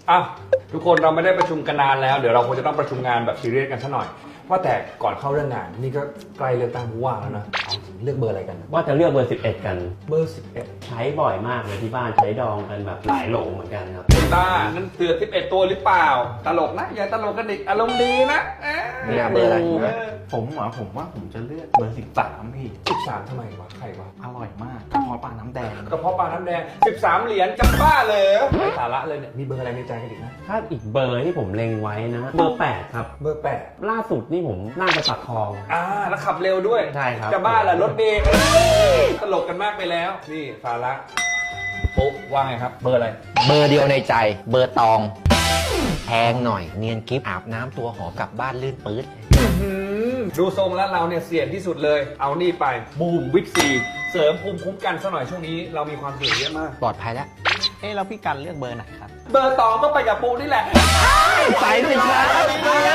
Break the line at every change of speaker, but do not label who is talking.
อ่ะทุกคนเราไม่ได้ประชุมกันนานแล้วเดี๋ยวเราควรจะต้องประชุมงานแบบซีเรียสกันสักหน่อยว่าแต่ก่อนเข้าเรื่องงานนี่ก็ใกล้เลือกตั้งผู้ว่าแล้วนะเอาจริงเลือกเบอร์อะไรกัน
ว่าจะเลือกเบอร์ 11 กัน
เบอร์11
ใช้บ่อยมากเลยที่บ้านใช้ดองกันแบบหลายโหลเหมือนกันครับ
ต้านั่นเสือ11ตัวหรือเปล่าตลกนะอย่าตลกกันอีกอารมณ์ดีนะ
เลือกเบอร์อะไร
ผมว่าผมจะเลือกเบอร์13พี่
13ทำไมวะใครวะ
อร่อยมากกระเพาะปลาน้ำแดง
กระเพาะปลาน้ำแดง13เหรียญจะบ้าเลยไร้สาระเลยเนี่ยมีเบอร์อะไรในใจกันอีกนะ
ถ้าอีกเบอร์ที่ผมเล็งไว้นะเบอร์ 8 ครับ
เบอร์8
ล่าสุดนี่ผมนั่งไปปักคลอง
แล้วขับเร็วด้วย
ใช่ครับ
จะบ้าเหรอรถเมล์ตลกกันมากไปแล้วนี่สาระปุ๊บว่าไงครับ เบอร์อะไร
เบอร์เดียวในใจ เบอร์ตองแพงหน่อยเนียนกิฟอาบน้ำตัวหอมกลับบ้านลื่นปื๊ด
ดูทรงแล้วเราเนี่ยเสี่ยงที่สุดเลย เอานี่ไปบูมวิตซีเสริมภูมิคุ้มกันซะหน่อยช่วงนี้เรามีความเสี่ยงเยอะมาก
ปลอดภัยแล้ว
แล้วพี่กันเลือกเบอร์ไหนครับ
เบอร์ตองก็ไปกับปูนี่แหละ
ไปด้วยครับ